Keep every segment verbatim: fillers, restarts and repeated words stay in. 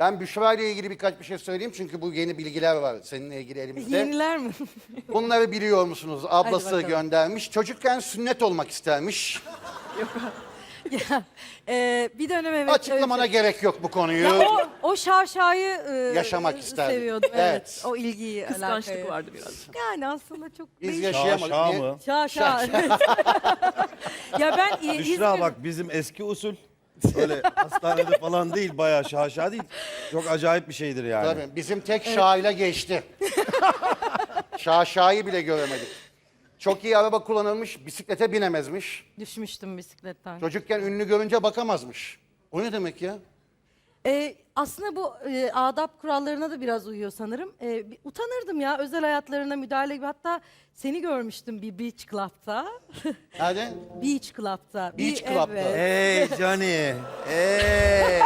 Ben Büşra ile ilgili birkaç bir şey söyleyeyim çünkü bu yeni bilgiler var seninle ilgili elimizde. Yeniler mi? Bunları biliyor musunuz? Ablası bakalım. göndermiş. Çocukken sünnet olmak istermiş. ya, e, bir dönem evet. Açıklamana evet. gerek yok bu konuyu. Ya o, o şaşayı e, Yaşamak isterdim. seviyordum. Evet. Evet. O ilgiyi, Kıskançlık alakayı. vardı biraz. Yani aslında çok Biz değişik. yaşayamadık. Şaşa Niye? mı? Şaşa. evet. ya ben e, Büşra İzmir- bak bizim eski usul. Öyle hastanede falan değil, bayağı şaşa değil. Çok acayip bir şeydir yani. Tabii bizim tek şahıyla geçti. Şaşayı bile göremedik. Çok iyi araba kullanılmış, bisiklete binemezmiş. düşmüştüm bisikletten. Çocukken ünlü görünce bakamazmış. O ne demek ya? E, aslında bu e, adap kurallarına da biraz uyuyor sanırım. E, bir utanırdım ya özel hayatlarına müdahale gibi. Hatta seni görmüştüm bir beach club'ta. Nerede? beach club'ta. Bir- Beach club'ta. Evet. Hey Johnny. Hey.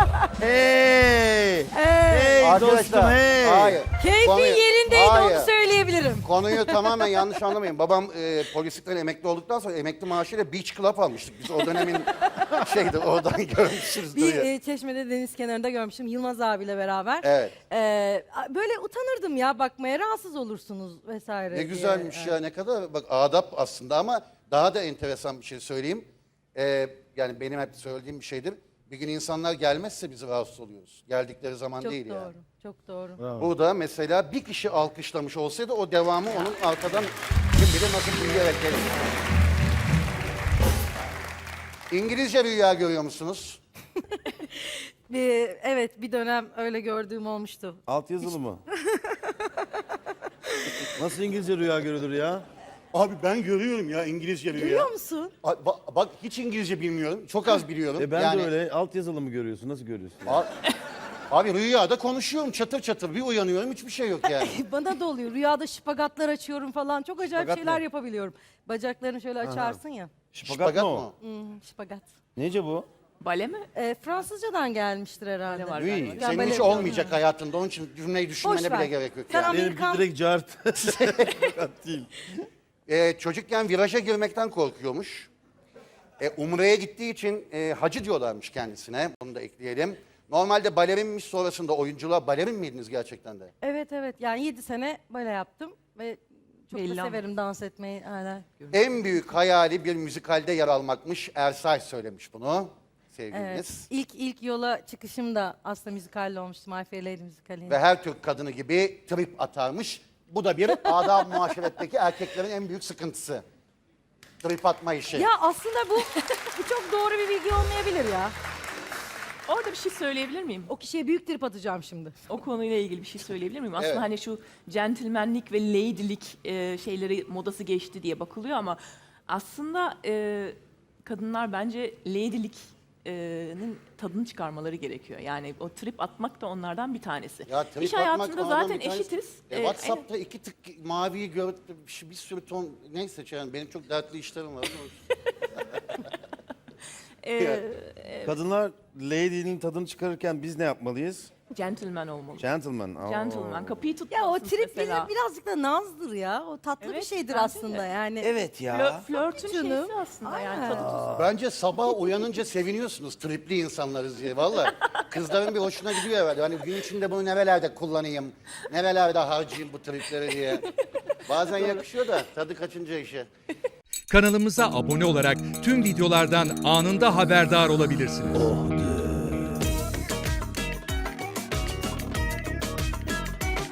hey. Evet. Hey dostum hey. hayır. Keyfin Konuyu- yerindeydi hayır. onu söyleyebilirim. Konuyu tamamen yanlış anlamayın. Babam e, polislikten emekli olduktan sonra emekli maaşıyla beach club almıştık. Biz o dönemin şeydi oradan görmüşüz Bir diye. e, Çeşme'de deniz kenarında görmüştüm Yılmaz abiyle beraber. Evet. E, a- böyle utanırdım ya bakmaya rahatsız olursunuz vesaire Ne diye. güzelmiş Evet. ya ne kadar bak adap aslında ama daha da enteresan bir şey söyleyeyim. Ee, yani benim hep söylediğim bir şeydir. Bir gün insanlar gelmezse biz rahatsız oluyoruz. Geldikleri zaman Çok değil doğru, yani. çok doğru. Burada mesela bir kişi alkışlamış olsaydı o devamı onun arkadan kim bilir nasıl büyüyerek gelir. İngilizce rüya görüyor musunuz? Bir, evet bir dönem öyle gördüğüm olmuştu. Alt yazılı mı? Nasıl İngilizce rüya görülür ya? Abi ben görüyorum ya İngilizce rüya. Görüyor musun? A- ba- Bak hiç İngilizce bilmiyorum. Çok az biliyorum. E ben Yani- de öyle. Alt yazılı mı görüyorsun? Nasıl görüyorsun? A- Abi rüyada konuşuyorum çatır çatır. Bir uyanıyorum hiçbir şey yok yani. Bana da oluyor. Rüyada şipagatlar açıyorum falan. Çok acayip Şipagat şeyler ne? yapabiliyorum. Bacaklarını şöyle açarsın ya. Şipagat, Şipagat mı mı? o? Hmm, şipagat. Nece bu? Bale mi? E, Fransızcadan gelmiştir herhalde. Bale var Rüy, galiba. Ben senin böyle hiç biliyorum, olmayacak ha. hayatında. Onun için cümleyi düşünmene Boş bile ver. gerek yok Sen yani. Benimki Amerikan- direkt cart. Şipagat değil. Ee, çocukken viraja girmekten korkuyormuş. Ee, Umre'ye gittiği için e, hacı diyorlarmış kendisine. Bunu da ekleyelim. Normalde balerinmiş sonrasında oyunculuğa balerin miydiniz gerçekten de? Evet evet yani yedi sene böyle yaptım ve çok Belli da ama. severim dans etmeyi hala. En büyük hayali bir müzikalde yer almakmış. Ersay söylemiş bunu Evet. sevgiliniz. İlk ilk yola çıkışım da aslında müzikalle olmuştu. My Fair Lady müzikali. Ve her Türk kadını gibi trip atarmış. Bu da bir adab muaşeretteki erkeklerin en büyük sıkıntısı. Trip atma işi. Ya aslında bu bu çok doğru bir bilgi olmayabilir ya. Orada bir şey söyleyebilir miyim? O kişiye büyük trip atacağım şimdi. O konuyla ilgili bir şey söyleyebilir miyim? Aslında Evet. hani şu centilmenlik ve lady'lik e, şeyleri modası geçti diye bakılıyor ama aslında e, kadınlar bence lady'lik'nin tadını çıkarmaları gerekiyor. Yani o trip atmak da onlardan bir tanesi. Ya trip İş atmak hayatında onlardan zaten bir tanesi. eşitiz. E, E, WhatsApp'ta iki tık maviyi gördüm, bir, bir sürü ton neyse yani benim çok dertli işlerim var. e, Kadınlar lady'nin tadını çıkarırken biz ne yapmalıyız? gentleman olmalı. Gentleman. Oo. Gentleman. Kapıyı Ya tutmalısınız o trip mesela. bizim birazcık da nazdır ya. O tatlı bir Evet, şeydir bence aslında de. yani. Evet ya. Flö- flörtün Canım. şeysi aslında yani Aynen. tadı tuzu. Bence sabah uyanınca seviniyorsunuz tripli insanlarız diye valla. Kızların bir hoşuna gidiyor herhalde. Hani gün içinde bunu nerelerde kullanayım, nerelerde harcayayım bu tripleri diye. Bazen yakışıyor da tadı kaçınca işe. Kanalımıza abone olarak tüm videolardan anında haberdar olabilirsiniz.